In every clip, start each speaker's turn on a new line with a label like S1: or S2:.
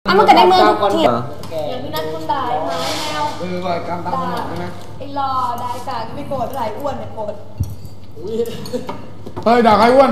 S1: มันก็ได้มือเทียบ
S2: อย่างพี่นัทคุณด่าไอ้ไม้แมว
S3: บ่อยกำตามหนักนะ
S2: ไอ้รอได้กาไม่โกรธไหลอ้วนเนี่ยโกรธ
S3: เฮ้ยด่าใครอ้วน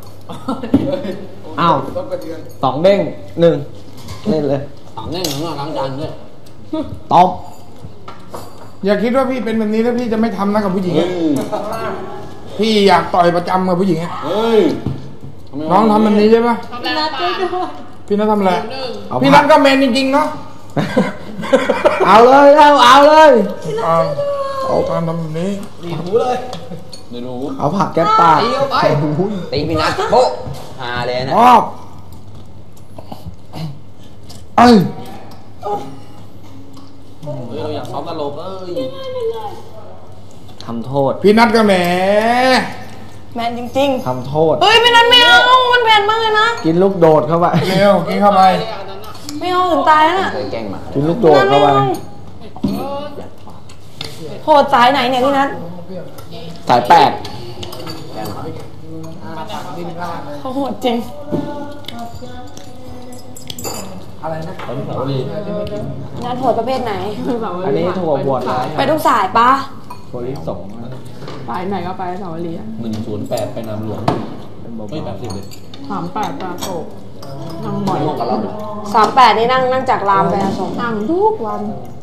S4: อ้าว2 เด้ง 1เล่นเลย
S5: 2 เด้งของเราล้างจานด้วย
S4: ตบ
S3: อย่าคิดว่าพี่เป็นแบบนี้แล้วพี่จะไม่ทำนะกับผู้หญิงพี่อยากต่อยประจำกับผู้หญิงน้องทำแบบนี้ใช่ปะ
S2: พี่นัทก็โดน
S3: พี่นัททำอะไรพี่นัทก็แมนจริงๆเนาะ
S4: เอาเลยเอาเลย
S3: เอาการทำแบบนี้
S5: ดีหูเลยไม่รู้
S4: เอาผักแก้ปาก
S5: ตีพี่นัทโป๊ะฮาเลยนะเราอยากซ้อมตลก
S4: ทำโทษ
S3: พี่นัทก็แหม
S1: แมนจริง
S4: ๆทำโทษ
S1: พี่นัทไม่เอามันแมนมากเลยนะ
S4: กินลูกโดดเข้าไป
S3: เร็วกินเข้าไป
S1: ไม่เอาถึงตายแล้วน่ะ
S5: เคยแกล้งมา
S4: กินลูกโดดเข้าไป
S1: โหดสายไหนเนี่ยพี่นัท
S4: สาย8
S1: เขาโหดจริง
S3: อะไรนะ
S1: นัทโหดประเภทไหน
S4: อันนี้ถั่วบวช
S1: ไปทุกสายปะ
S4: ถั่วลิสง
S6: ไปไหนก็ไปสาวรี
S5: 108ไปน้ำหลวงไม่80เลย
S6: 38ปลาโตนั่งบ่อย
S5: กับเรา
S1: 38นี่นั่งจากรามไปอโศก
S6: นั่งทุกวัน